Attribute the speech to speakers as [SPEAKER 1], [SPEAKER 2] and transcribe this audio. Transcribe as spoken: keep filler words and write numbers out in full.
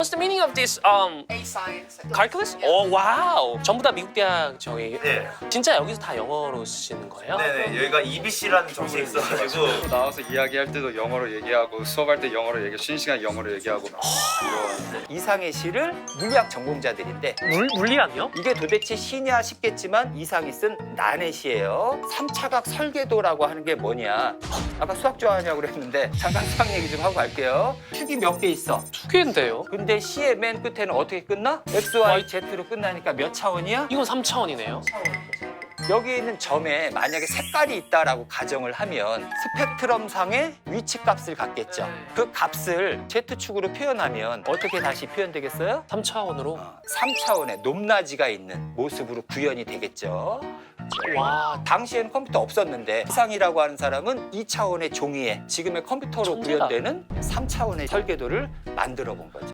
[SPEAKER 1] What's the meaning of this um
[SPEAKER 2] A science.
[SPEAKER 1] calculus?
[SPEAKER 2] Yeah.
[SPEAKER 1] 오 와우. 전부 다 미국 대학 저희.
[SPEAKER 3] 네.
[SPEAKER 1] 진짜 여기서 다 영어로 쓰시는 거예요?
[SPEAKER 3] 네네 여기가 이비씨라는 정책이 있어가지고
[SPEAKER 4] 나와서 이야기할 때도 영어로 얘기하고 수업할 때 영어로 얘기, 쉬는 시간 영어로 얘기하고 이런.
[SPEAKER 5] 이상의 시를 물리학 전공자들인데
[SPEAKER 1] 물 물리학이요?
[SPEAKER 5] 이게 도대체 시냐 싶겠지만 이상이 쓴 난의 시예요. 삼차각 설계도라고 하는 게 뭐냐? 아까 수학 좋아하냐고 그랬는데 잠깐 수학 얘기 좀 하고 갈게요. 축이 몇 개 있어?
[SPEAKER 1] 두 개인데요.
[SPEAKER 5] 근데 시의 맨 끝에는 어떻게 끝나? 엑스, 와이, 제트로 끝나니까 몇 차원이야?
[SPEAKER 1] 이건 삼 차원이네요.
[SPEAKER 5] 여기 있는 점에 만약에 색깔이 있다라고 가정을 하면 스펙트럼상의 위치 값을 갖겠죠. 그 값을 Z축으로 표현하면 어떻게 다시 표현되겠어요?
[SPEAKER 1] 삼 차원으로.
[SPEAKER 5] 삼 차원의 높낮이가 있는 모습으로 구현이 되겠죠.
[SPEAKER 1] 와,
[SPEAKER 5] 당시에는 컴퓨터 없었는데 이상이라고 하는 사람은 이 차원의 종이에 지금의 컴퓨터로
[SPEAKER 1] 천재다.
[SPEAKER 5] 구현되는 삼 차원의 설계도를 만들어 본 거죠.